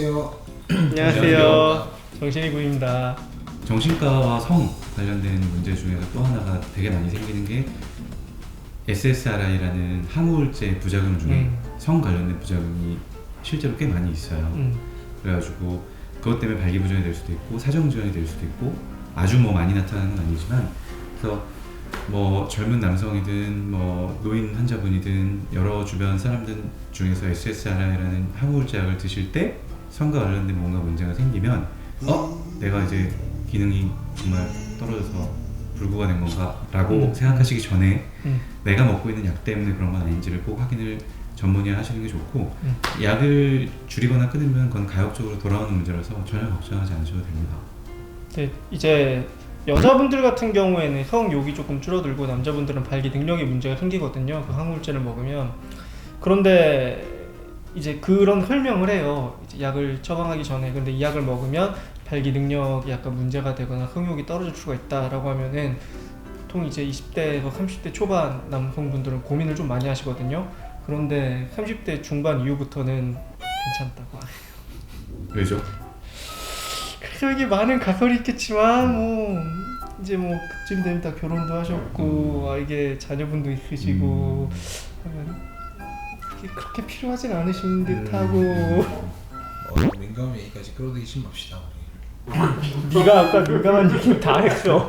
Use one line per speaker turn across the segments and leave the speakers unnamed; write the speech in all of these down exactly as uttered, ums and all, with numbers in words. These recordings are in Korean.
안녕하세요.
안녕하세요. 정신이구입니다.
정신과와 성 관련된 문제 중에서 또 하나가 되게 많이 생기는 게 에스에스알아이라는 항우울제 부작용 중에
음.
성 관련된 부작용이 실제로 꽤 많이 있어요.
음.
그래가지고 그것 때문에 발기부전이 될 수도 있고 사정지연이 될 수도 있고 아주 뭐 많이 나타나는 건 아니지만, 그래서 뭐 젊은 남성이든 뭐 노인 환자분이든 여러 주변 사람들 중에서 에스에스알아이라는 항우울제약을 드실 때 성과 관련된 뭔가 문제가 생기면 어? 내가 이제 기능이 정말 떨어져서 불구가 된 건가? 라고
음.
생각하시기 전에
음.
내가 먹고 있는 약 때문에 그런 건 아닌지를 꼭 확인을 전문의 하시는 게 좋고,
음.
약을 줄이거나 끊으면 그건 가역적으로 돌아오는 문제라서 전혀 걱정하지 않으셔도 됩니다.
네, 이제 여자분들 같은 경우에는 성욕이 조금 줄어들고 남자분들은 발기 능력에 문제가 생기거든요. 그 항우울제를 먹으면. 그런데 이제 그런 설명을 해요. 이제 약을 처방하기 전에. 근데 이 약을 먹으면 발기 능력이 약간 문제가 되거나 성욕이 떨어질 수가 있다라고 하면은 보통 이제 이십 대에서 삼십 대 초반 남성분들은 고민을 좀 많이 하시거든요. 그런데 삼십 대 중반 이후부터는 괜찮다고 해요.
왜죠?
그래서 이게 많은 가설이 있겠지만 뭐 이제 뭐 그쯤 되면 다 결혼도 하셨고 아, 이게 자녀분도 있으시고 하면 그게 그렇게 필요하진 않으신 듯하고.
어, 민감한 얘기까지 끌어들이지 맙시다 우리.
네가 아까 민감한 얘기 다 했어.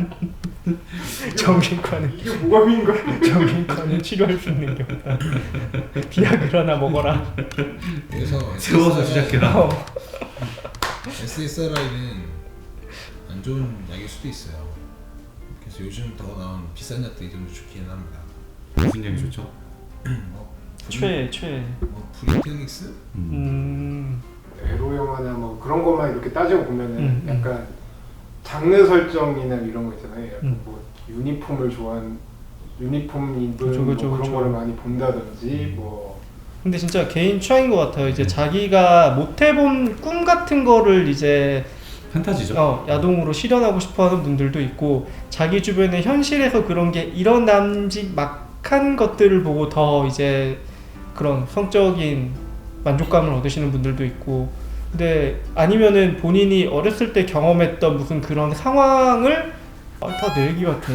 정신과는
이게 뭐가 미인 거야?
정신과는 치료할 수 있는 게 없다. 비아그라나 먹어라.
그래서
세워서 시작해라.
어.
에스에스알아이는 안 좋은 약일 수도 있어요. 그래서 요즘 더 나온 비싼 약들이 좀 좋기는 합니다.
무슨 얘기 좋죠?
뭐
최 최.
뭐 프리텔릭스?
음.
음.
에로 영화나 뭐 그런 것만 이렇게 따지고 보면은
음, 음.
약간 장르 설정이나 이런 거 있잖아요. 약간
음.
뭐 유니폼을 좋아하는 유니폼 입은
그쵸, 그쵸,
뭐 그런
그쵸.
거를 많이 본다든지 뭐
근데 진짜 개인 취향인 것 같아요. 이제
네.
자기가 못 해본 꿈 같은 거를 이제
판타지죠?
어, 야동으로 실현하고 싶어하는 분들도 있고, 자기 주변에 현실에서 그런 게 일어남지 막한 것들을 보고 더 이제 그런 성적인 만족감을 얻으시는 분들도 있고, 근데 아니면은 본인이 어렸을 때 경험했던 무슨 그런 상황을 아, 다 내 얘기 같아.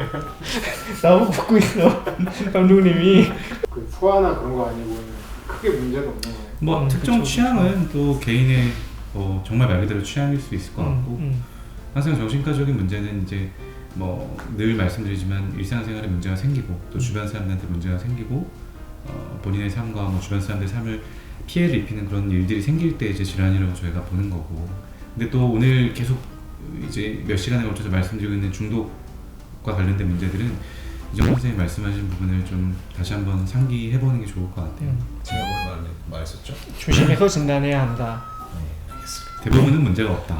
나보고 듣고 있어 감독님이.
그 소화나 그런 거 아니고는 크게 문제가 없는 거예요.
뭐
음,
특정
그쵸,
취향은 또 개인의 뭐 정말 말 그대로 취향일 수 있을 것 같고,
음, 음.
항상 정신과적인 문제는 이제 뭐 늘 말씀드리지만 일상생활에 문제가 생기고 또 주변 사람들한테 문제가 생기고 어, 본인의 삶과 뭐 주변 사람들의 삶을 피해를 입히는 그런 일들이 생길 때 이제 질환이라고 저희가 보는 거고, 근데 또 오늘 계속 이제 몇 시간에 걸쳐서 말씀드리고 있는 중독과 관련된 문제들은 이정 선생님이 말씀하신 부분을 좀 다시 한번 상기해보는 게 좋을 것 같아요.
음.
제가 뭘 말, 말했었죠?
조심해서 진단해야 한다.
네, 알겠습니다.
대부분은 문제가 없다.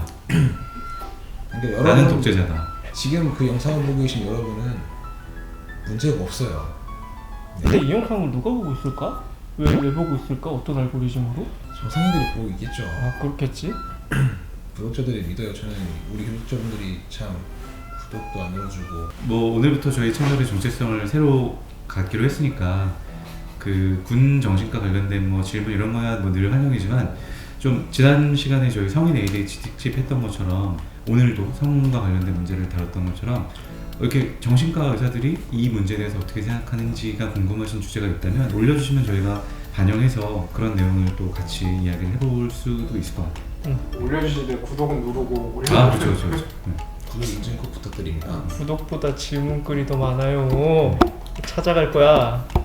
그러니까
나는
여러분,
독재자다.
지금 그 영상을 보고 계신 여러분은 문제가 없어요.
근데 이 영상을 누가 보고 있을까? 왜, 왜 보고 있을까? 어떤 알고리즘으로?
정상인들이 보고 있겠죠.
아 그렇겠지?
구독자들이 믿어요. 저는 우리 구독자분들이 참 구독도 안 눌러주고
뭐 오늘부터 저희 채널의 정체성을 새로 갖기로 했으니까 그 군 정신과 관련된 뭐 질문 이런 거야 뭐 늘 환영이지만, 좀 지난 시간에 저희 성인 에이디에이치 특집 했던 것처럼 오늘도 성과 관련된 문제를 다뤘던 것처럼 이렇게 정신과 의사들이 이 문제에 대해서 어떻게 생각하는지가 궁금하신 주제가 있다면 올려주시면 저희가 반영해서 그런 내용을 또 같이 이야기를 해볼 수도 있을 것 같아요.
올려주실 때 구독은 누르고 올려.
아 그렇죠 그렇죠. 그렇죠. 네.
구독 인증 꼭 부탁드립니다.
구독보다 질문글이 더 많아요. 찾아갈 거야.